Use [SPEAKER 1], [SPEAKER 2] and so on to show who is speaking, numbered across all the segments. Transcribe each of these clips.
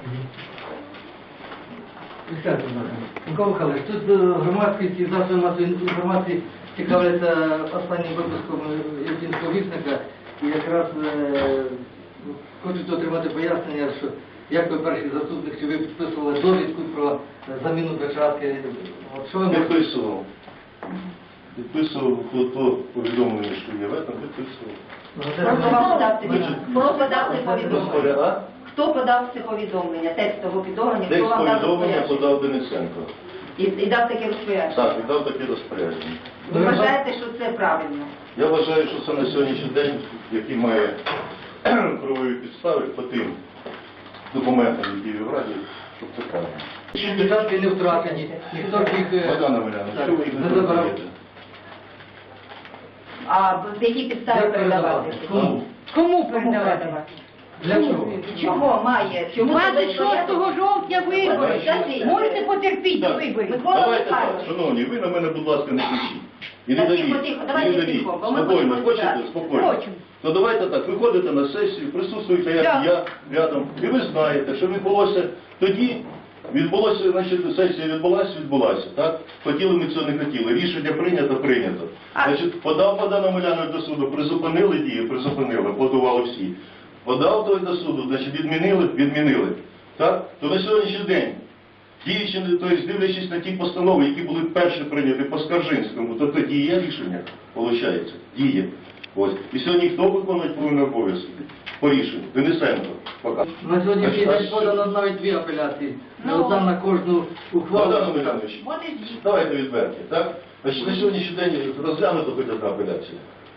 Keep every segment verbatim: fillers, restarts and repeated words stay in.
[SPEAKER 1] Микола Михайлович, тут громадськість і засоби масової інформації цікавляться останнім випуском Ірпінського вісника і якраз е, хочуть отримати пояснення, що як ви перший заступник, чи ви підписували довідку про заміну печатки? От що ви можете?
[SPEAKER 2] Підписував. Підписував то повідомлення, що є в этом, підписував.
[SPEAKER 3] Просто вам подав Хто подав це повідомлення? Хто подав це повідомлення, текстове повідомлення?
[SPEAKER 2] Текст
[SPEAKER 3] Хто вам дав
[SPEAKER 2] повідомлення
[SPEAKER 3] розпорядження?
[SPEAKER 2] подав Денисенко.
[SPEAKER 3] І, і дав таке розпорядження?
[SPEAKER 2] Так, і дав таке розпорядження.
[SPEAKER 3] Ви вважаєте, що це правильно?
[SPEAKER 2] Я вважаю, що це на сьогоднішній день, який має правові підстави по тим документам, які є в Раді, щоб це правильно.
[SPEAKER 1] Чи печатки не втрачені, ніхто ж їх
[SPEAKER 2] Богдана Омеляна, що ви їх не
[SPEAKER 1] забирав.
[SPEAKER 2] розумієте?
[SPEAKER 3] А в які підстави
[SPEAKER 1] Як
[SPEAKER 3] передавати?
[SPEAKER 1] передавати? Кому?
[SPEAKER 4] Кому передавати?
[SPEAKER 1] Для чого?
[SPEAKER 3] Чого має? Чому
[SPEAKER 4] двадцять шостого жовтня вибори.
[SPEAKER 3] Скажіть.
[SPEAKER 4] Можете потерпіти до
[SPEAKER 2] Так.
[SPEAKER 4] виборів.
[SPEAKER 3] Микола
[SPEAKER 2] Давайте так,
[SPEAKER 3] Михайлович.
[SPEAKER 2] шановні, ви на мене, будь ласка, не кричіть. І не
[SPEAKER 3] Так,
[SPEAKER 2] давіть,
[SPEAKER 3] тихо, тихо,
[SPEAKER 2] і
[SPEAKER 3] давайте
[SPEAKER 2] не давіть.
[SPEAKER 3] тихо, бо ми
[SPEAKER 2] Спокійно,
[SPEAKER 3] будемо
[SPEAKER 2] хочете?
[SPEAKER 3] розбиратися.
[SPEAKER 2] Спокійно.
[SPEAKER 4] Хочемо.
[SPEAKER 2] Ну давайте так, виходите на сесію, присутствуєте, як
[SPEAKER 4] Так.
[SPEAKER 2] я рядом, і ви знаєте, що відбулося тоді, відбулося, значить, сесія відбулася, відбулася, так? Хотіли ми цього, не хотіли. Рішення прийнято, прийнято.
[SPEAKER 4] А-
[SPEAKER 2] Значить, подав Богдан Омелянович до суду, призупинили дії, призупинили, подавали всі. Подав той до суду, значить, відмінили, відмінили. Так? То на сьогоднішній день, діючи, тобто, дивлячись на ті постанови, які були перші прийняті по Скаржинському, то тоді є рішення, виходить, діє. Ось. І сьогодні хто виконує повинні обов'язки? По рішенню. Денисенко. Пока.
[SPEAKER 1] На сьогоднішній
[SPEAKER 2] А
[SPEAKER 1] день
[SPEAKER 2] що?
[SPEAKER 1] подано навіть дві апеляції.
[SPEAKER 4] Ну.
[SPEAKER 1] Одна на кожну ухвалу.
[SPEAKER 2] Богдан Омелянович, давайте відверті, так? Значить, на сьогоднішній день розглянуто хоч одна апеляція.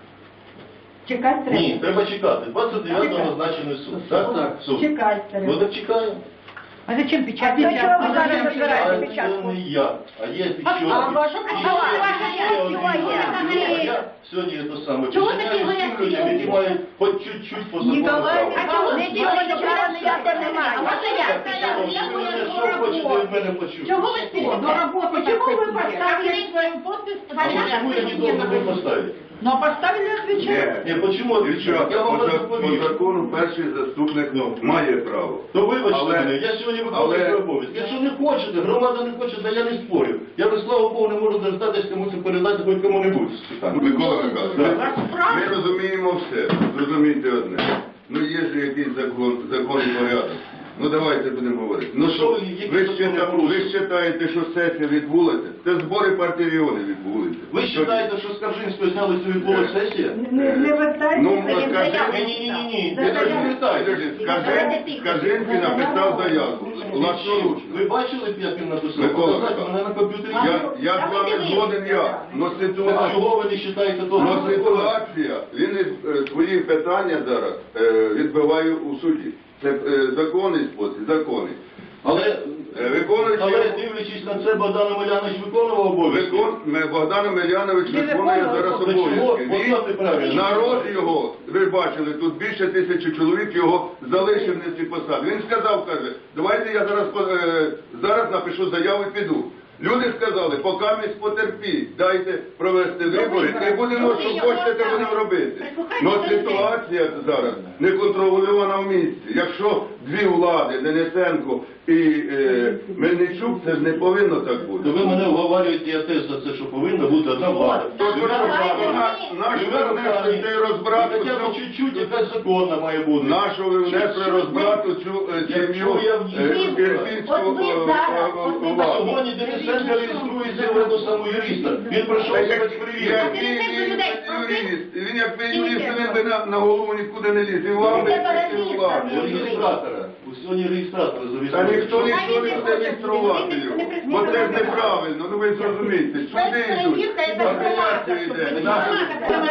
[SPEAKER 4] Чекати треба.
[SPEAKER 2] Ні, треба чекати. двадцять дев'ятого назначений суд. Так?
[SPEAKER 1] Так.
[SPEAKER 2] Суд.
[SPEAKER 4] Чекати треба.
[SPEAKER 2] Ну так чекаємо.
[SPEAKER 4] А зачем печать?
[SPEAKER 5] А для чого ви
[SPEAKER 4] А
[SPEAKER 5] зараз
[SPEAKER 4] зачем
[SPEAKER 5] забираєте
[SPEAKER 4] печать?
[SPEAKER 2] А
[SPEAKER 5] печатку?
[SPEAKER 2] це не я, а є печатки.
[SPEAKER 5] а ваша
[SPEAKER 2] І
[SPEAKER 5] печатка?
[SPEAKER 2] ще-
[SPEAKER 5] Ваша
[SPEAKER 2] ще
[SPEAKER 5] печатка
[SPEAKER 2] один
[SPEAKER 5] є.
[SPEAKER 2] момент. Я Сьогодні є те саме.
[SPEAKER 4] Чого
[SPEAKER 2] Починаю
[SPEAKER 4] такі
[SPEAKER 2] з тим
[SPEAKER 4] горячі
[SPEAKER 2] людям, які
[SPEAKER 4] люди?
[SPEAKER 2] мають хоч чуть-чуть по закону
[SPEAKER 5] Ніколай,
[SPEAKER 2] права.
[SPEAKER 5] а чого
[SPEAKER 4] Не
[SPEAKER 5] не
[SPEAKER 4] ділайте
[SPEAKER 5] ділите
[SPEAKER 4] права
[SPEAKER 5] права ніяке немає? А можна я
[SPEAKER 2] Так, шановні, ви мене що хочете від мене почути?
[SPEAKER 4] Чого ви спішите?
[SPEAKER 5] До роботи
[SPEAKER 4] Почему
[SPEAKER 5] так
[SPEAKER 4] вы
[SPEAKER 5] хотите?
[SPEAKER 4] поставили своим подпись?
[SPEAKER 2] А почему я не должен был поставить?
[SPEAKER 5] Ну, а поставили отвечать.
[SPEAKER 2] Не, почему отвечать? Я вам
[SPEAKER 6] по, за-
[SPEAKER 2] розповім.
[SPEAKER 6] по закону перший заступник
[SPEAKER 2] Ну.
[SPEAKER 6] має право.
[SPEAKER 2] То вибачте
[SPEAKER 6] Але-
[SPEAKER 2] мене, я сьогодні виконую
[SPEAKER 6] але-
[SPEAKER 2] свій обов'язок. Якщо не хочете, громада не хоче, то я не спорю. Я би, слава Богу, не можу дождатись комусь передати хоч кому-небудь з питань.
[SPEAKER 6] Микола Михайлович,
[SPEAKER 2] Да.
[SPEAKER 6] ми розуміємо все. Зрозумійте одне. Ну є ж якийсь закон, закон і порядок. Ну давайте будемо говорити. Ну що,
[SPEAKER 2] що, які
[SPEAKER 6] ви
[SPEAKER 2] закони
[SPEAKER 6] счита- ви
[SPEAKER 2] порушують?
[SPEAKER 6] вважаєте, що сесія відбулася? Це збори партії регіонів відбулися.
[SPEAKER 2] Ви вважаєте, що з Скаржинського зняли цю відбулася сесія?
[SPEAKER 5] Не, не вертайте.
[SPEAKER 6] Ну,
[SPEAKER 5] це їм
[SPEAKER 6] скажи-
[SPEAKER 5] заяву.
[SPEAKER 2] Ні, ні, ні, ні, ні.
[SPEAKER 5] За
[SPEAKER 2] Я
[SPEAKER 5] заяву.
[SPEAKER 2] не вертаю.
[SPEAKER 6] Скажи- Скажинський написав заяву. Власноручно.
[SPEAKER 2] Ви бачили, як він написав?
[SPEAKER 6] Микола
[SPEAKER 2] Показати мене на комп'ютері.
[SPEAKER 6] Я, я з вами згоден я. Но
[SPEAKER 2] Так
[SPEAKER 6] ситуація...
[SPEAKER 2] чого ви не вважаєте того?
[SPEAKER 6] Но ситуація, він е, свої питання зараз е, відбиває у суді. Це е, законний спосіб, законний.
[SPEAKER 2] Але,
[SPEAKER 6] Е, виконуючи-
[SPEAKER 2] але дивлячись на це, Богдан Омелянович виконував обов'язки.
[SPEAKER 6] Викон... ме- Богдан Омелянович
[SPEAKER 4] Не
[SPEAKER 6] виконує
[SPEAKER 4] виконував,
[SPEAKER 6] зараз
[SPEAKER 2] то чого?
[SPEAKER 6] обов'язки.
[SPEAKER 2] Поставте правильно.
[SPEAKER 6] Він, народ його, ви бачили, тут більше тисячі чоловік його залишив на ці посади. Він сказав, каже, давайте я зараз, по- е, зараз напишу заяву і піду. Люди сказали, поки ми потерпіть, дайте провести вибори, і будемо, що хочете, те будемо робити. Але ситуація зараз не контрольована в місті. Якщо дві влади, Денисенко і е, Мельничук, це ж не повинно так бути.
[SPEAKER 2] То ви мене вговарюєте, я теж за це, що повинна бути одна влада.
[SPEAKER 6] То, що наш ви внесли цей розбрат,
[SPEAKER 2] Хоча б чуть-чуть, якась законна має бути.
[SPEAKER 6] нашого ви внесли розбрат у цю е, сім'ю
[SPEAKER 2] Якщо я в ній
[SPEAKER 6] е,
[SPEAKER 2] вибрав,
[SPEAKER 6] ірпінську
[SPEAKER 3] от ви
[SPEAKER 6] е,
[SPEAKER 3] зараз,
[SPEAKER 6] е,
[SPEAKER 3] от ви
[SPEAKER 6] е,
[SPEAKER 2] А
[SPEAKER 6] владу.
[SPEAKER 2] сьогодні Денисенко реєструється в одну саму юриста. Він пройшов
[SPEAKER 6] Та як-
[SPEAKER 2] спецперевірку.
[SPEAKER 6] як він- він юрист, він як ви юрист, він би на, на голову нікуди не ліз. І вам би, і влади.
[SPEAKER 2] У реєстратора. У сьогодні реєстратора
[SPEAKER 6] Та
[SPEAKER 2] зареєстрований.
[SPEAKER 6] ніхто ніхто не буде реєструвати його. Бо це ж неправильно, ну ви зрозумієте. Сюди йдуть, апеляція йде. Наші-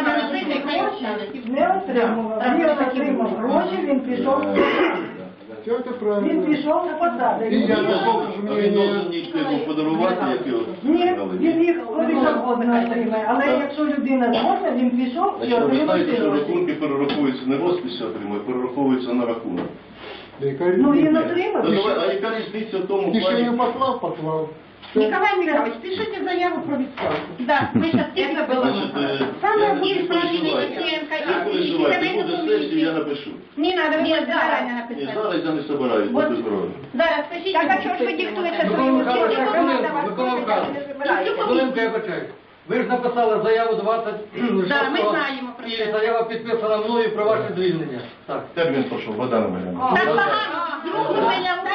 [SPEAKER 5] Не отримував. Він отримав гроші, він пішов. Він пішов на посаду.
[SPEAKER 2] А він должен нічого йому подарувати, як його
[SPEAKER 5] Ні,
[SPEAKER 2] дали.
[SPEAKER 5] він їх коли завгодно отримає. Але якщо людина згодна, він пішов і
[SPEAKER 2] Значить, ви знаєте, що
[SPEAKER 5] отримав.
[SPEAKER 2] рахунки перераховуються не розписі отримує, перераховуються на рахунок.
[SPEAKER 5] Ну він отримав.
[SPEAKER 2] То давай, а яка різниця в тому плані?
[SPEAKER 7] послав, послав.
[SPEAKER 4] Николай Михайлович, пишите заяву про відставку. Да, ми зараз це було.
[SPEAKER 2] Значить, е,
[SPEAKER 4] Саме
[SPEAKER 2] я-
[SPEAKER 4] більш
[SPEAKER 2] не
[SPEAKER 4] правильний
[SPEAKER 2] переживайте.
[SPEAKER 4] Євченко.
[SPEAKER 2] Не переживайте, буде сесія, я напишу.
[SPEAKER 4] Не надо, ви
[SPEAKER 3] Ні,
[SPEAKER 4] заранее
[SPEAKER 2] Ні,
[SPEAKER 4] написати.
[SPEAKER 2] зараз я не собираюсь,
[SPEAKER 4] Вот.
[SPEAKER 2] будьте здорові.
[SPEAKER 4] Так, а чого ж ви диктуєте
[SPEAKER 1] Микола
[SPEAKER 4] своїм
[SPEAKER 1] Михайлович,
[SPEAKER 4] дітям?
[SPEAKER 1] хвилинку, Микола Михайлович. Хвилинку, я почаю. Ви ж написали заяву двадцять
[SPEAKER 4] Да, ми знаємо про
[SPEAKER 1] і
[SPEAKER 4] це.
[SPEAKER 1] заява підписана мною про ваше звільнення. Так.
[SPEAKER 2] Термін пішов, Богдана Омеляновича.
[SPEAKER 4] Так багато, другу заяву